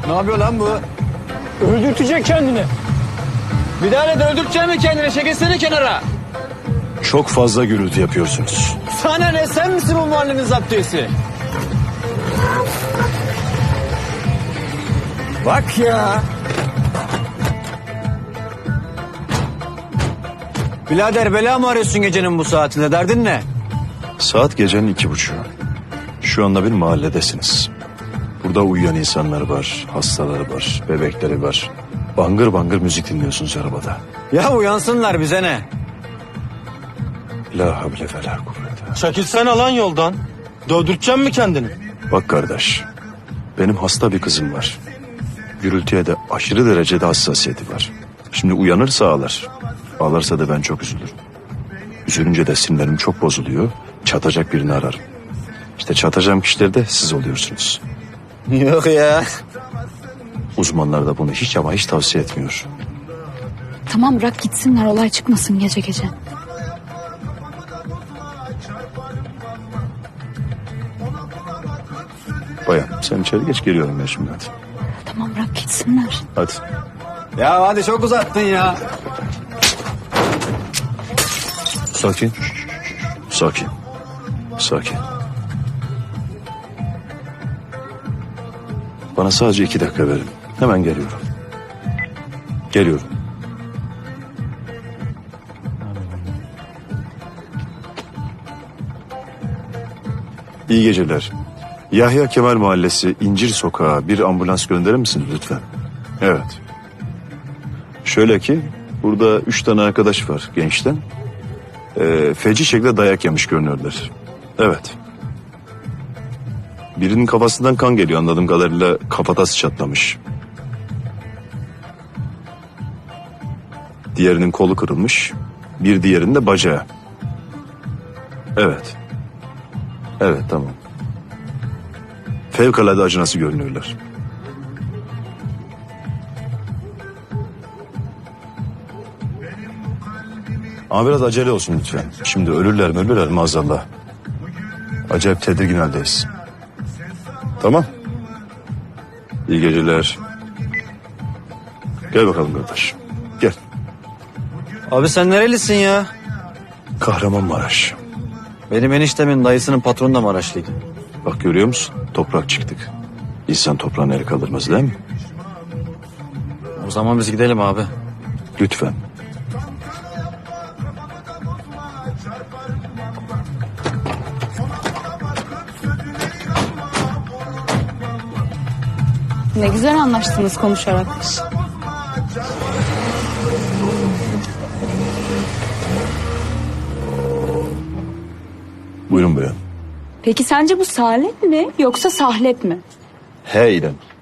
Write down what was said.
Ne yapıyor lan bu? Öldürtecek kendini. Bir daha da öldürtecek mi kendini? Çekilsene kenara. Çok fazla gürültü yapıyorsunuz. Sana ne, sen misin bu mahallenin zaptiyesi? Bak ya. Birader bela mı arıyorsun gecenin bu saatinde? Derdin ne? Saat gecenin 2:30. Şu anda bir mahalledesiniz. Burada uyuyan insanlar var, hastaları var, bebekleri var. Bangır bangır müzik dinliyorsunuz arabada. Ya uyansınlar, bize ne? La havle ve la kuvvete. Çekilsene lan yoldan. Dövdürteceksin mi kendini? Bak kardeş, benim hasta bir kızım var. Gürültüye de aşırı derecede hassasiyeti var. Şimdi uyanırsa ağlar. Ağlarsa da ben çok üzülürüm. Üzülünce de sinirlerim çok bozuluyor. Çatacak birini ararım. İşte çatacağım kişiler de siz oluyorsunuz. Yok ya. Uzmanlar da bunu hiç ama hiç tavsiye etmiyor. Tamam bırak gitsinler, olay çıkmasın gece gece. Bayan sen içeri geç, geliyorum ben şimdi, hadi. Tamam bırak gitsinler. Hadi. Ya hadi çok uzattın ya. Sakin. Sakin. Sakin. Bana sadece 2 dakika verin. Hemen geliyorum. Geliyorum. İyi geceler. Yahya Kemal Mahallesi İncir Sokağı bir ambulans gönderir misiniz lütfen? Evet. Şöyle ki burada 3 tane arkadaş var gençten. Feci şekilde dayak yemiş görünüyorlar. Evet. Birinin kafasından kan geliyor anladığım kadarıyla, kafatası çatlamış. Diğerinin kolu kırılmış. Bir diğerinin de bacağı. Evet. Evet, tamam. Fevkalade acınası görünüyorlar. Ama biraz acele olsun lütfen. Şimdi ölürler maazallah. Acayip tedirgin haldeyiz. Tamam. İyi geceler. Gel bakalım kardeş. Gel. Abi sen nerelisin ya? Kahramanmaraş. Benim eniştemin dayısının patronu da Maraşlıydı. Bak görüyor musun? Toprak çıktık. İnsan toprağına el kaldırmaz değil mi? O zaman biz gidelim abi. Lütfen. Ne güzel anlaştınız konuşarak. Buyurun bayan. Peki sence bu salep mi yoksa sahlet mi? He İrem.